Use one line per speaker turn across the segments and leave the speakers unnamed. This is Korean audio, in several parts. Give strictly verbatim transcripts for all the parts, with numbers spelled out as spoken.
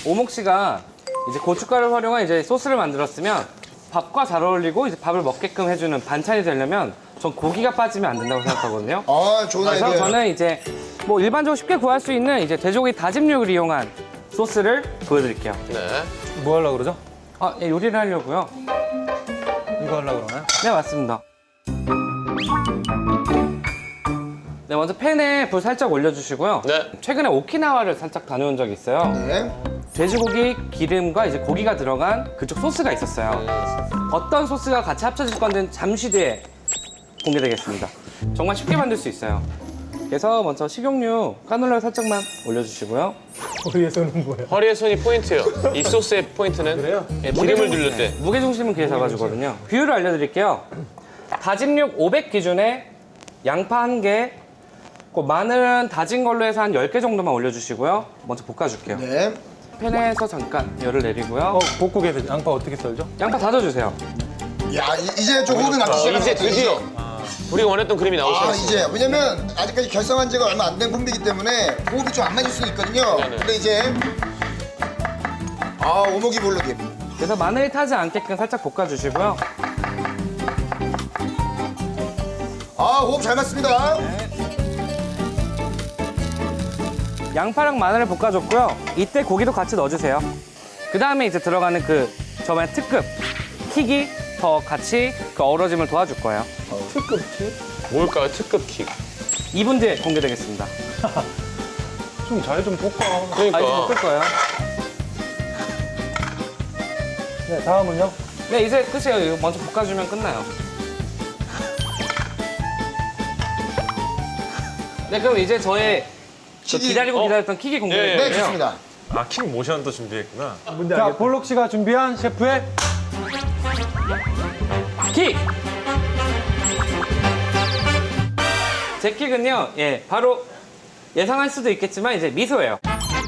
오목 씨가 이제 고춧가루를 활용한 이제 소스를 만들었으면 밥과 잘 어울리고 이제 밥을 먹게끔 해주는 반찬이 되려면 전 고기가 빠지면 안 된다고 생각하거든요.
아, 좋은
그래서
아이디어.
저는 이제 뭐 일반적으로 쉽게 구할 수 있는 이제 돼지고기 다짐육을 이용한 소스를 보여드릴게요.
네.
뭐 하려고 그러죠?
아, 예, 요리를 하려고요.
이거 하려고 그러나요?
네, 맞습니다. 네, 먼저 팬에 불 살짝 올려주시고요.
네.
최근에 오키나와를 살짝 다녀온 적이 있어요.
네.
돼지고기 기름과 이제 고기가 들어간 그쪽 소스가 있었어요. 어떤 소스가 같이 합쳐질 건지는 잠시 뒤에 공개되겠습니다. 정말 쉽게 만들 수 있어요. 그래서 먼저 식용유 카놀라를 살짝만 올려주시고요.
거기에서는 뭐예요?
허리의 손이 포인트예요. 이 소스의 포인트는
그래요?
예, 기름을 둘릴 때.
무게중심은 그게 잡아주거든요. 비율을 알려드릴게요. 다짐육 오백 기준에 양파 한 개, 그 마늘은 다진 걸로 해서 한 열 개 정도만 올려주시고요. 먼저 볶아줄게요.
네.
팬에서 잠깐 열을 내리고요.
어, 볶국에 양파 어떻게 썰죠?
양파 다져주세요.
야, 이- 이제 좀 호흡이 나기 시작하는
이제
것 같아요,
드디어 우리가 원했던 그림이 나오기
아,
시작했어요.
이제 왜냐면 아직까지 결성한 지가 얼마 안 된 콤비이기 때문에 호흡이 좀 안 맞을 수 있거든요.
네네.
근데 이제 아, 오목이 볼록이.
그래서 마늘이 타지 않게끔 살짝 볶아주시고요.
아, 호흡 잘 맞습니다.
양파랑 마늘을 볶아줬고요. 이때 고기도 같이 넣어주세요. 그 다음에 이제 들어가는 그 저번에 특급 킥이 더 같이 그 어우러짐을 도와줄 거예요.
특급 팁?
뭘까요? 특급 킥.
이 분 뒤에 공개되겠습니다.
좀 잘 좀 볶아.
아, 이제
그러니까.
볶을 거예요.
네, 다음은요?
네, 이제 끝이에요. 이거 먼저 볶아주면 끝나요. 네, 그럼 이제 저의 저
킥이-
기다리고
어?
기다렸던 킥이
네,
공개되거든요.
좋습니다.
아, 킥 모션도 준비했구나.
자, 볼록 씨가 준비한 셰프의
킥! 제 킥은요, 예, 바로 예상할 수도 있겠지만 이제 미소예요.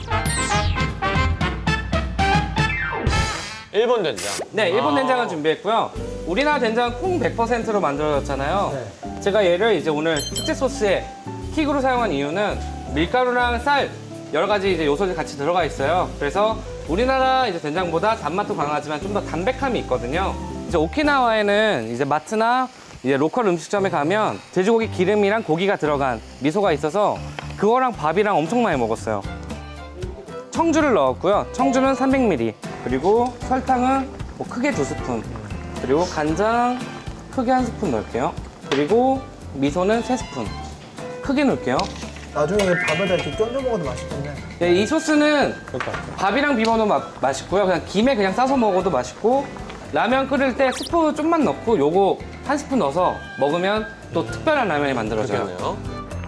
일본 된장.
네, 일본 된장을 준비했고요. 우리나라 된장은 콩 백 퍼센트로 만들어졌잖아요. 제가 얘를 이제 오늘 특제 소스에 킥으로 사용한 이유는 밀가루랑 쌀 여러 가지 이제 요소들이 같이 들어가 있어요. 그래서 우리나라 이제 된장보다 단맛도 강하지만 좀 더 담백함이 있거든요. 이제 오키나와에는 이제 마트나 이제 로컬 음식점에 가면 돼지고기 기름이랑 고기가 들어간 미소가 있어서 그거랑 밥이랑 엄청 많이 먹었어요. 청주를 넣었고요. 청주는 삼백 밀리리터. 그리고 설탕은 뭐 크게 두 스푼. 그리고 간장 크게 한 스푼 넣을게요. 그리고 미소는 세 스푼. 크게 넣을게요.
나중에 밥에다 이렇게 껴줘 먹어도 맛있겠네.
네, 이 소스는 밥이랑 비벼도 마, 맛있고요. 그냥 김에 그냥 싸서 먹어도 맛있고 라면 끓일 때 스프 좀만 넣고 요거 한 스푼 넣어서 먹으면 또 특별한 라면이 만들어져요.
그렇겠네요.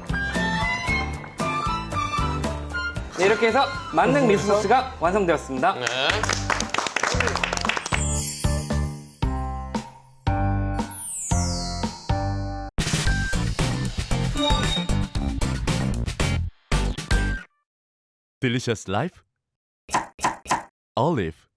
네, 이렇게 해서 만능 미소 소스가 완성되었습니다.
네.
Delicious Life Olive